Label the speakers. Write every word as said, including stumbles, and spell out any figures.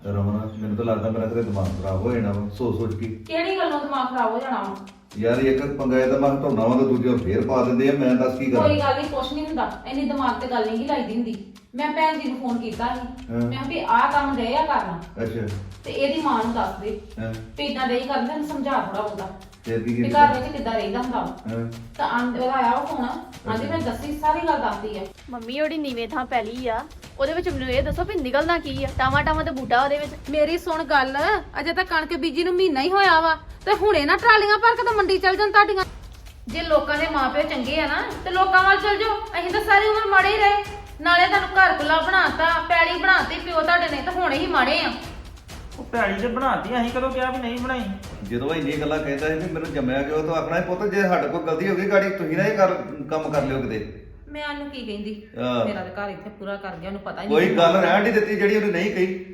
Speaker 1: ਰਮਨ ਮੈਨੂੰ ਤਾਂ ਲੱਗਦਾ ਮੇਰਾ ਤੇਰੇ ਦਿਮਾਗ ਖਰਾਬ ਹੋ ਜਾਣਾ ਵਾ ਸੋਚ ਸੋਚ ਕੇ।
Speaker 2: ਕਿਹੜੀ ਗੱਲੋਂ ਦਿਮਾਗ ਖਰਾਬ ਹੋ ਜਾਣਾ ਵਾ?
Speaker 1: ਯਾਰ ਇੱਕ ਪੰਗਾ ਇਹਦਾ ਮੈਂ ਹਟਾਉਣਾ ਵਾ ਤੇ ਦੂਜਾ ਫੇਰ ਪਾ ਦਿੰਦੇ ਆ। ਮੈਂ ਦੱਸ ਕੀ ਕਰਾਂ?
Speaker 2: ਕੋਈ ਗੱਲ ਨਹੀਂ, ਕੁਛ ਨਹੀਂ ਹੁੰਦਾ। ਇੰਨੀ ਦਿਮਾਗ ਤੇ ਗੱਲ ਨਹੀਂ ਲਾਈਦੀ ਹੁੰਦੀ। ਮੈਂ ਭੈਣ ਜੀ ਨੂੰ ਫੋਨ ਕੀਤਾ ਸੀ,
Speaker 1: ਹਾਂ।
Speaker 2: ਮੈਂ ਕਿਹਾ ਵੀ ਆਹ ਕੰਮ ਦੇ ਆ ਕਰਨਾ
Speaker 1: ਅੱਛਾ
Speaker 2: ਤੇ ਇਹਦੀ ਮਾਂ ਨੂੰ ਦੱਸ ਦੇ
Speaker 1: ਹਾਂ
Speaker 2: ਵੀ ਇਦਾਂ ਦੇ ਹੀ ਕਰਦੇ ਤੈਨੂੰ ਸਮਝਾ ਥੋੜਾ ਬਹੁਤਾ
Speaker 1: ਫੇਰ ਕੀ
Speaker 2: ਵੀ
Speaker 1: ਕੀਤਾ?
Speaker 2: ਘਰ ਵਿੱਚ ਕਿੱਦਾਂ ਰਹਿੰਦਾ ਹੁੰਦਾ ਵਾ।
Speaker 1: ਹਾਂ
Speaker 2: ਤਾਂ ਆਂ- ਉਹਦਾ ਆਇਆ ਉਹ ਫੋਨ, ਆਂਦੀ ਮੈਂ ਦੱਸੀ ਸਾਰੀ ਗੱਲ ਦੱਸਦੀ ਆ।
Speaker 3: ਮੰਮੀ ਉਹਦੀ ਨੀਵੇਂ ਥਾਂ ਪੈਲੀ ਆ, ਉਹਦੇ ਵਿੱਚ ਮੈਨੂੰ ਇਹ ਦੱਸੋ ਵੀ ਨਿਕਲਣਾ ਕੀ ਆ? ਟਾਵਾ ਟਾਵਾ ਤੇ ਬੂਟਾ ਉਹਦੇ ਵਿੱਚ।
Speaker 2: ਮੇਰੀ ਸੁਣ ਗੱਲ, ਅਜੇ ਤਾਂ ਕਣਕ ਬੀਜੀ ਨੂੰ ਮਹੀਨਾ ਹੀ ਹੋਇਆ ਵਾ ਤੇ ਹੁਣੇ ਨਾ ਟਰਾਲੀਆਂ ਭਰ ਕੇ ਤਾਂ ਮੰਡੀ ਚੱਲ ਜਾਣ ਤੁਹਾਡੀਆਂ। ਜੇ ਲੋਕਾਂ ਦੇ ਮਾਪੇ ਚੰਗੇ ਆ ਨਾ ਤੇ ਲੋਕਾਂ ਵੱਲ ਚੱਲ ਜਾਓ। ਅਸੀਂ ਤਾਂ ਸਾਰੀ ਉਮਰ ਮਾੜੇ ਹੀ ਰਹੇ। ਨਾਲੇ ਤੁਹਾਨੂੰ ਘਰ ਕੁਲਾ ਬਣਾਤਾ, ਪੈਲੀ ਬਣਾਤੀ ਪਿਓ ਤੁਹਾਡੇ ਨੇ, ਤਾਂ ਹੁਣੇ ਹੀ ਮਾੜੇ ਆ।
Speaker 4: ਉਹ ਭੈੜੀ ਤੇ ਬਣਾਤੀ, ਅਸੀਂ ਕਦੋਂ ਕਿਹਾ ਵੀ ਨਹੀਂ ਬਣਾਈ?
Speaker 1: ਜਦੋਂ ਇੰਨੀ ਗੱਲਾਂ ਕਹਿੰਦਾ ਸੀ ਵੀ ਮੈਨੂੰ ਜੰਮਿਆ ਕਿਉਂ ਤਾਂ ਆਖਣਾ ਸੀ ਪੁੱਤ ਜੇ ਸਾਡੇ ਕੋਲ ਗਲਤੀ ਹੋ ਗਈ ਗਾੜੀ ਤੁਸੀਂ ਨਾ ਇਹ ਕਰ ਕੰਮ ਕਰ ਲਿਓ ਕਿਤੇ।
Speaker 2: ਮੈਂ ਉਹਨੂੰ ਕੀ ਕਹਿੰਦੀ,
Speaker 1: ਹਾਂ।
Speaker 2: ਮੇਰਾ ਤਾਂ ਘਰ ਇੱਥੇ ਪੂਰਾ ਕਰ ਗਿਆ, ਉਹਨੂੰ ਪਤਾ ਹੀ
Speaker 1: ਕੋਈ
Speaker 2: ਨਹੀਂ।
Speaker 1: ਗੱਲ ਰਹਿਣ ਨਹੀਂ ਦਿੱਤੀ ਜਿਹੜੀ ਉਹਨੇ ਨਹੀਂ ਕਹੀ।